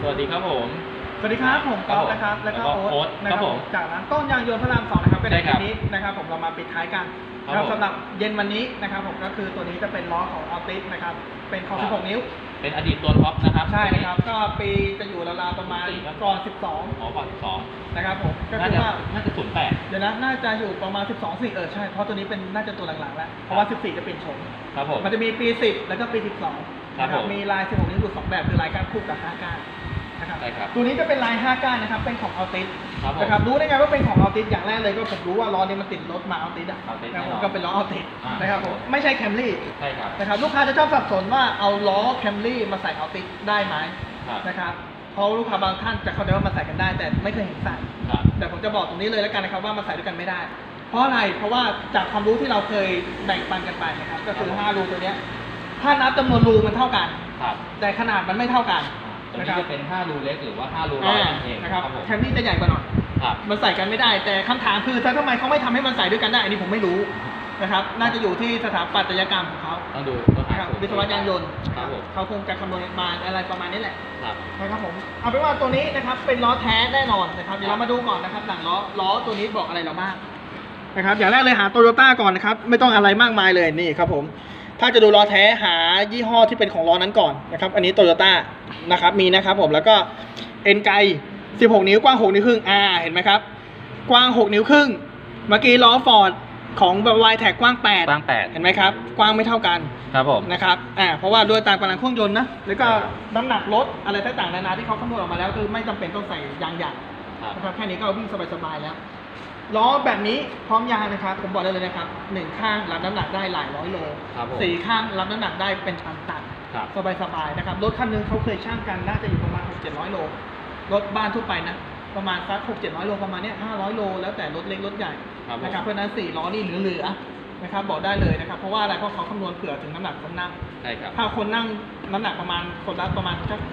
วัสดีครับผมสวัสดีครับผมก๊อฟนะครับแล้วก็โอ๊ตนะครับผมจากร้านต้นยางยนต์พระราม2นะครับก็ในคลิปนี้นะครับผมเรามาปิดท้ายกันนะครับสำหรับเย็นวันนี้นะครับผมก็คือตัวนี้จะเป็นล้อของอัลติสนะครับเป็นของ16 นิ้วเป็นอดีตตัวท็อปนะครับใช่นะครับก็ปีจะอยู่ราวๆประมาณก่อน12 ก่อน12 นะครับผมก็คือว่าน่าจะ08 เดี๋ยวนะน่าจะอยู่ประมาณ12 4ใช่เพราะตัวนี้เป็นน่าจะตัวหลังๆแล้วเพราะว่า14จะเปลี่ยนโฉมครับผมมันจะมีปี10แล้วก็ปี12นะครับมีลาย16 นิ้วอยู่2แบบคือลายก้านคู่กับ5ก้านนะครับตัวนี้จะเป็นลาย5ก้านนะครับเป็นของอัลติสนะครับรู้ได้ไงว่าเป็นของอัลติสอย่างแรกเลยก็ผมรู้ว่าล้อนี้มันติดรถมาอัลติสนะครับก็เป็นล้ออัลติสนะครับผมไม่ใช่แคมรี่ใช่ครับนะครับลูกค้าจะชอบสับสนว่าเอาล้อแคมรี่มาใส่อัลติสได้ไหมนะครับเพราะลูกค้าบางท่านจะเข้าใจว่ามาใส่กันได้แต่ไม่เคยเห็นใส่แต่ผมจะบอกตรงนี้เลยแล้วกันนะครับว่ามาใส่ด้วยกันไม่ได้เพราะอะไรเพราะว่าจากความรู้ที่เราเคยแบ่งปันกันไปนะครับก็คือ5รูตัวนี้ถ้านับจำนวนรูมันเท่ากันแต่ขนาดมันไม่เท่ากันตัวนี้จะเป็น5รูเล็กหรือว่า5รูร้อยเองนะครับแคมรี่จะใหญ่กว่าหน่อยมันใส่กันไม่ได้แต่คำถามคือทำไมเขาไม่ทำให้มันใส่ด้วยกันได้อันนี้ผมไม่รู้นะครับน่าจะอยู่ที่สถาปัตยกรรมของเขาต้องดูนะครับวิศวะยานยนต์เขาคงจะคำนวณมาอะไรประมาณนี้แหละนะครับผมเอาเป็นว่าตัวนี้นะครับเป็นล้อแท้แน่นอนนะครับเดี๋ยวเรามาดูก่อนนะครับหลังล้อตัวนี้บอกอะไรเราบ้างนะครับอย่างแรกเลยหาโตโยต้าก่อนนะครับไม่ต้องอะไรมากมายเลยนี่ครับผมถ้าจะดูล้อแท้หายี่ห้อที่เป็นของล้อนั้นก่อนนะครับอันนี้โตโยต้านะครับมีนะครับผมแล้วก็เอ็นไก16 นิ้วกว้าง6 นิ้วครึ่งเห็นไหมครับกว้าง6 นิ้วครึ่งเมื่อกี้ล้อฟอร์ดของวายแท็กกว้าง8เห็นไหมครับกว้างไม่เท่ากันครับผมนะครับเพราะว่าด้วยตามกำลังเครื่องยนต์นะแล้วก็น้ำหนักรถอะไรต่างๆนานาที่เขาคำนวณออกมาแล้วคือไม่จำเป็นต้องใส่ยางใหญ่นะครับแค่นี้ก็วิ่งสบายๆแล้วล้อแบบนี้พร้อมยางนะครับผมบอกได้เลยนะครับ1ข้างรับน้ำหนักได้หลายร้อยโล4ข้างรับน้ำหนักได้เป็นตันสบายๆนะครับรถคันนึงเขาเคยช่างกันน่าจะอยู่ประมาณ600-700 โลรถบ้านทั่วไปนะประมาณสัก600-700 โลประมาณนี้500 โลแล้วแต่รถเล็กรถใหญ่นะครับเพราะนั้น4ล้อนี่เหลือนะครับบอกได้เลยนะครับเพราะว่าอะไรเพราะเขาคำนวณเผื่อถึงน้ำหนักคนนั่งถ้าคนนั่งน้ำหนักประมาณคนละประมาณสัก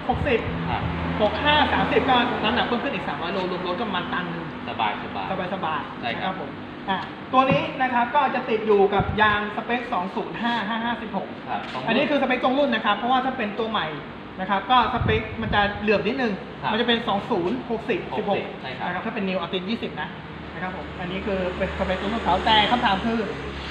60 65 30ก็น้ำหนักเพิ่มขึ้นอีก300 โลรวมรถก็ประมาณตันนึงสบายนะครับผมตัวนี้นะครับก็จะติดอยู่กับยางสเปค205/556อันนี้คือสเปคตรงรุ่นนะครับเพราะว่าถ้าเป็นตัวใหม่นะครับก็สเปคมันจะเหลื่อมนิดนึงมันจะเป็น20/60/16นะครับถ้าเป็นนิวอัลติส20นะครับผมอันนี้คือเป็นสเปคตรงรุ่นเขาแต่คำถามคือ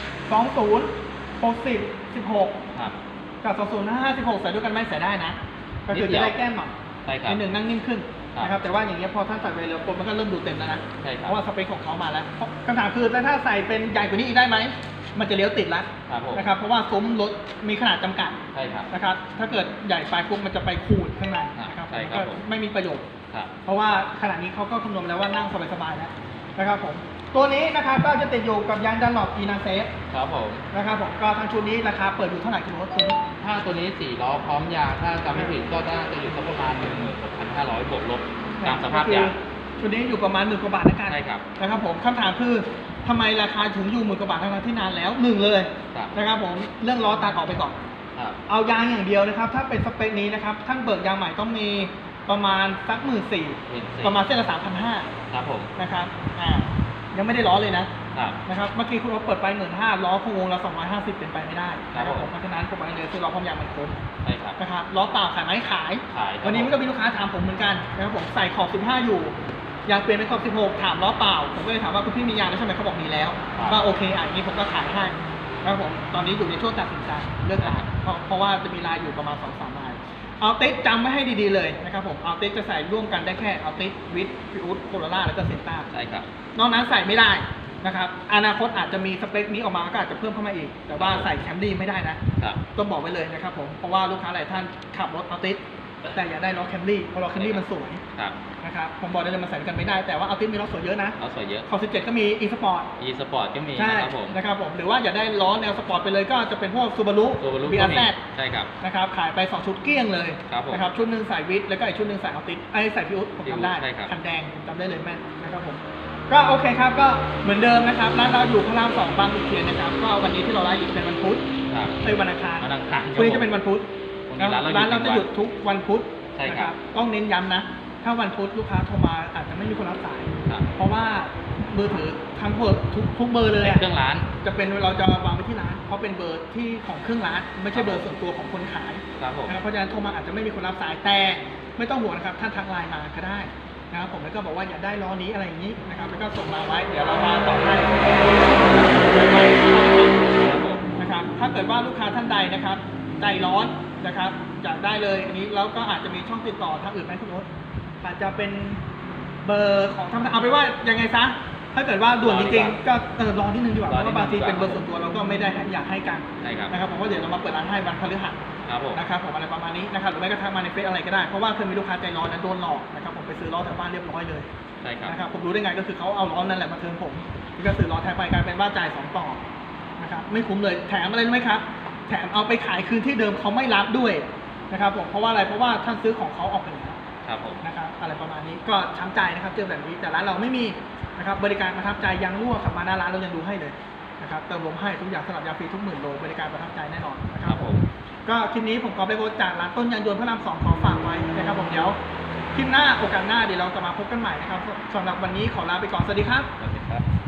20/60/16กับ20/5/16ใส่ด้วยกันไม่ใส่ได้นะก็คือจะได้แก้มหน่อยนิดนึงนั่งนิ่มขึ้นนะครับแต่ว่าอย่างเงี้ยพอท่านใส่ไปเร็วคนมันก็เริ่มดูเต็มแล้วนะเพราะว่าสเปคของเขามาแล้วคำถามคือถ้าใส่เป็นใหญ่กว่านี้อีกได้ไหมมันจะเลี้ยวติดแล้วนะครับเพราะว่าซุ้มรถมีขนาดจำกัดนะครับถ้าเกิดใหญ่ไปปุ๊บมันจะไปขูดข้างในนะครับก็ไม่มีประโยชน์เพราะว่าขนาดนี้เขาก็คำนวณแล้วว่านั่งสบายๆแล้วนะครับผมตัวนี้นะครับก็จะติดอยู่กับยางดันหลอปอีนาเซฟครับผมนะครับผมก็ทางชุดนี้ราคาเปิดอยู่เท่าไหร่คุณรถตัวนี้ถ้าตัวนี้4ล้อพร้อมยางถ้าจำไม่ผิดก็น่าจะอยู่ประมาณ 16,500 บวกลบตามสภาพยางชุดนี้อยู่ประมาณ10,000 กว่าบาทนะกันใช่ครับนะครับผมคำถามคือทำไมราคาถึงอยู่10,000 กว่าบาททั้งที่นานแล้ว1เลยนะครับผมเรื่องล้อตัดออกไปก่อนเอายางอย่างเดียวนะครับถ้าเป็นสเปคนี้นะครับท่านเบิกยางใหม่ต้องมีประมาณสัก14,000ประมาณเส้นละ 3,500 ครับผมนะครับยังไม่ได้ล้อเลยนะครับเมื่อกี้คุณรถเปิดไป15,000ล้อคงวงละ250เป็นไปไม่ได้นะครับผมเพราะฉะนั้นผมบอกเลยคือล้อพร้อมยางมันคุ้มนะครับล้อเปล่าขายไหมขายวันนี้มันก็มีลูกค้าถามผมเหมือนกันนะครับผมใส่ขอบ15อยู่ยางเปลี่ยนเป็นขอบ16ถามล้อเปล่าผมก็เลยถามว่าคุณพี่มียางแล้วใช่ไหมเขาบอกมีแล้วก็โอเคอย่างนี้ผมก็ขายให้นะครับผมตอนนี้อยู่ในช่วงตัดสินใจเลือกรายเพราะว่าจะมีรายอยู่ประมาณ 2-3 รายอัลติสจำไว้ให้ดีๆเลยนะครับผมอัลติสจะใส่ร่วมกันได้แค่อัลติสวิทฟิอุสโคโรล่าแล้วก็เซนต้าใช่ครับนอกนั้นใส่ไม่ได้นะครับอนาคตอาจจะมีสเปคนี้ออกมาก็อาจจะเพิ่มเข้ามาอีกแต่ว่าใส่แคมรี่ไม่ได้นะต้องบอกไว้เลยนะครับผมเพราะว่าลูกค้าหลายท่านขับรถอัลติสแต่อยากได้ล้อแคมรี่เพราะล้อแคมรี่มันสวยนะครับผมบอกได้เลยมันใส่กันไม่ได้แต่ว่าอัลติสมีล้อสวยเยอะนะล้อสวยเยอะขอบ17ก็มีอีสปอร์ตก็มีนะครับผมหรือว่าอยากได้ล้อแนวสปอร์ตไปเลยก็จะเป็นพวกซูบารุBRZ ใช่ครับนะครับขายไป2ชุดเกลี้ยงเลยนะครับชุดนึงใส่วิทแล้วก็อีกชุดนึงใส่อัลติสใส่พิวผมจำได้คันแดงจำได้เลยแม่นนะครับผมก็โอเคครับก็เหมือนเดิมนะครับร้านเราอยู่พระราม2บางขุนเทียนนะครับก็วันนี้ที่เราไลฟ์อยู่เป็นวันพุธวันอังคารวันนี้จะเป็นวันพุธร้านเราจะหยุดทุกวันพุธนะครับต้องเน้นย้ำนะถ้าวันพุธลูกค้าโทรมาอาจจะไม่มีคนรับสายเพราะว่ามือถือทั้งเบอร์ทุกเบอร์เลยเครื่องร้านจะเป็นเราจะวางไว้ที่ร้านเพราะเป็นเบอร์ที่ของเครื่องร้านไม่ใช่เบอร์ส่วนตัวของคนขายเพราะฉะนั้นโทรมาอาจจะไม่มีคนรับสายแต่ไม่ต้องห่วงนะครับท่านทักไลน์มาก็ได้นะครับผมแล้วก็บอกว่าอยากได้ล้อนี้อะไรอย่างนี้นะครับแล้วก็ส่งมาไว้เดี๋ยวเรามาต่อให้นะครับถ้าเกิดว่าลูกค้าท่านใดนะครับใจร้อนนะครับอยากได้เลยอันนี้แล้วก็อาจจะมีช่องติดต่อทางอื่นไหมคุณโอ๊ตอาจจะเป็นเบอร์ของทางเอาไปว่ายังไงซะถ้าเกิดว่าด่วนจริงๆก็รอนิดนึงดีกว่าเพราะว่าบางทีเป็นเบอร์ส่วนตัวเราก็ไม่ได้อยากให้กันนะครับผมว่าเดี๋ยวเรามาเปิดร้านให้วันพฤหัสนะครับผมอะไรประมาณนี้นะครับหรือไม่ก็ทักมาในเฟซอะไรก็ได้เพราะว่าเคยมีลูกค้าใจร้อนนะโดนหลอกนะครับผมไปซื้อล้อแถวบ้านเรียบร้อยเลยนะครับผมรู้ได้ไงก็คือเขาเอาล้อนั่นแหละมาเทิร์นผมนี่ก็ซื้อล้อแท้ไปกลายเป็นว่าจ่าย2 ต่อนะครับไม่คุ้มเลยแถมอะไรรู้ไหมครับแถมเอาไปขายคืนที่เดิมเขาไม่รับด้วยนะครับผมเพราะว่าอะไรเพราะว่าท่านซื้อของเขาออกไปแล้วนะครับอะไรประมาณนี้ก็ช้ำใจนะครับเจอแบบนี้แต่ร้านเราไม่มีนะครับบริการประทับใจยางรั่วขับมาหน้าร้านเรายังดูให้เลยนะครับเติมลมให้ทุกอย่างสลับยาฟรีทุก10,000 โลบริการประทับใจแน่นอนนะครับผมก็คลิปนี้ผมขอไปโพสต์จากร้านต้นยางยนต์พระราม 2ขอฝากไว้นะครับผมเดี๋ยวคลิปหน้าโอกาสหน้าเดี๋ยวเราจะมาพบกันใหม่นะครับสำหรับวันนี้ขอลาไปก่อนสวัสดีครับ